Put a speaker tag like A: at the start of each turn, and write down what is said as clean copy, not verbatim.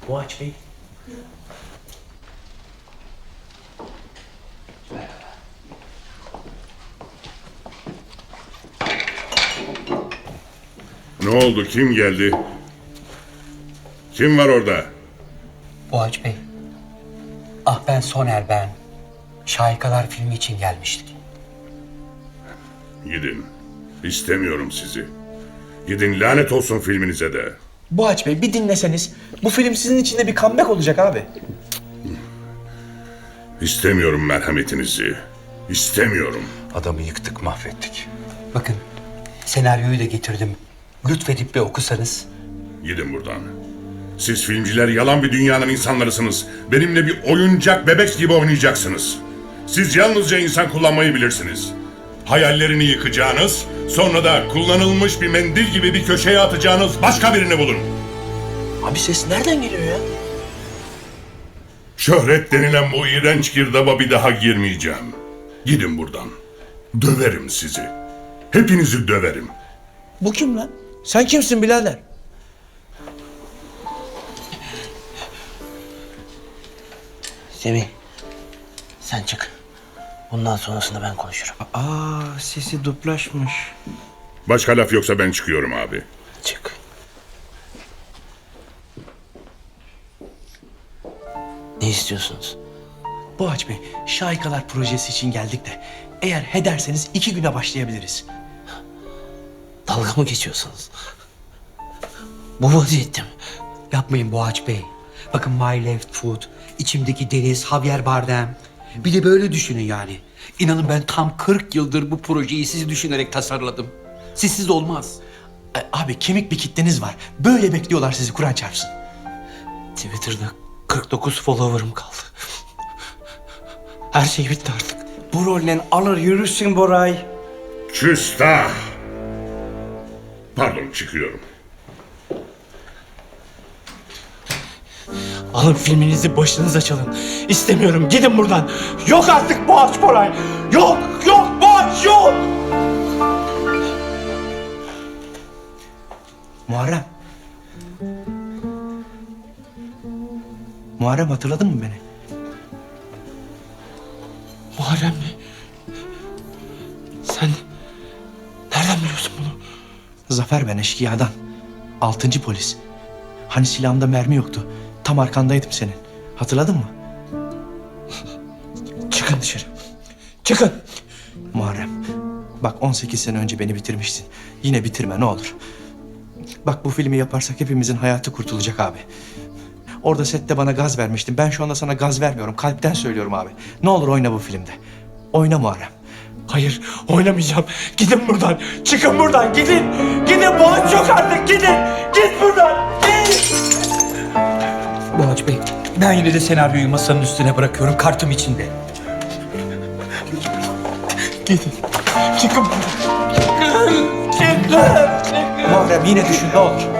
A: Boğaç Bey.
B: Ne oldu? Kim geldi? Kim var orada?
C: Boğaç Bey. Ah ben Soner ben. Şahikalar filmi için gelmiştik.
B: Gidin. İstemiyorum sizi. Gidin, lanet olsun filminize de.
A: Boğaç Bey bir dinleseniz. Bu film sizin için de bir comeback olacak abi.
B: İstemiyorum merhametinizi. İstemiyorum.
D: Adamı yıktık, mahvettik.
C: Bakın senaryoyu da getirdim. Lütfedip bir okusanız.
B: Gidin buradan. Siz filmciler yalan bir dünyanın insanlarısınız. Benimle bir oyuncak bebek gibi oynayacaksınız. Siz yalnızca insan kullanmayı bilirsiniz. Hayallerini yıkacağınız, sonra da kullanılmış bir mendil gibi bir köşeye atacağınız başka birini bulun.
A: Abi ses nereden geliyor ya?
B: Şöhret denilen bu iğrenç girdaba bir daha girmeyeceğim. Gidin buradan. Döverim sizi. Hepinizi döverim.
A: Bu kim lan? Sen kimsin birader?
E: Semih, sen çık. Bundan sonrasını ben konuşurum.
F: Aa, sesi duplaşmış.
B: Başka laf yoksa ben çıkıyorum abi.
E: Çık. Ne istiyorsunuz?
A: Boğaç Bey, Şahikalar projesi için geldik de eğer he derseniz 2 güne başlayabiliriz.
E: Dalga mı geçiyorsunuz? Bu vaziyette mi?
C: Yapmayın Boğaç Bey. Bakın My Left Foot, içimdeki deniz, Javier Bardem. Bir de böyle düşünün yani. İnanın ben tam 40 yıldır bu projeyi sizi düşünerek tasarladım. Sizsiz olmaz.
A: Abi kemik bir kitleniz var. Böyle bekliyorlar sizi, Kur'an çarpsın.
E: Twitter'da 49 follower'ım kaldı. Her şey bitti artık.
F: Bu rolle alır yürürsün Boray.
B: Küstah! Pardon, çıkıyorum.
A: Alın filminizi başınıza çalın. İstemiyorum, gidin buradan. Yok artık Boğaç Boray. Yok, yok Boğaç, yok. Muharrem. Muharrem, hatırladın mı beni?
E: Muharrem mi? Sen nereden biliyorsun bunu?
A: Zafer ben, eşkıyadan. 6. polis. Hani silahımda mermi yoktu. Tam arkandaydım senin. Hatırladın mı? Çıkın dışarı. Çıkın. Muharrem. Bak 18 sene önce beni bitirmiştin. Yine bitirme ne olur. Bak bu filmi yaparsak hepimizin hayatı kurtulacak abi. Orada sette bana gaz vermiştin. Ben şu anda sana gaz vermiyorum. Kalpten söylüyorum abi. Ne olur oyna bu filmde. Oyna Muharrem. Hayır, oynamayacağım. Gidin buradan. Çıkın buradan. Gidin. Gidin, Boğaç yok artık. Gidin. Git buradan. Git.
C: Boğaç Bey, ben yine de senaryoyu masanın üstüne bırakıyorum. Kartım içinde.
A: Gidin. Çıkın buradan. Çıkın. Çıkın. Muharrem yine düşün ne olur.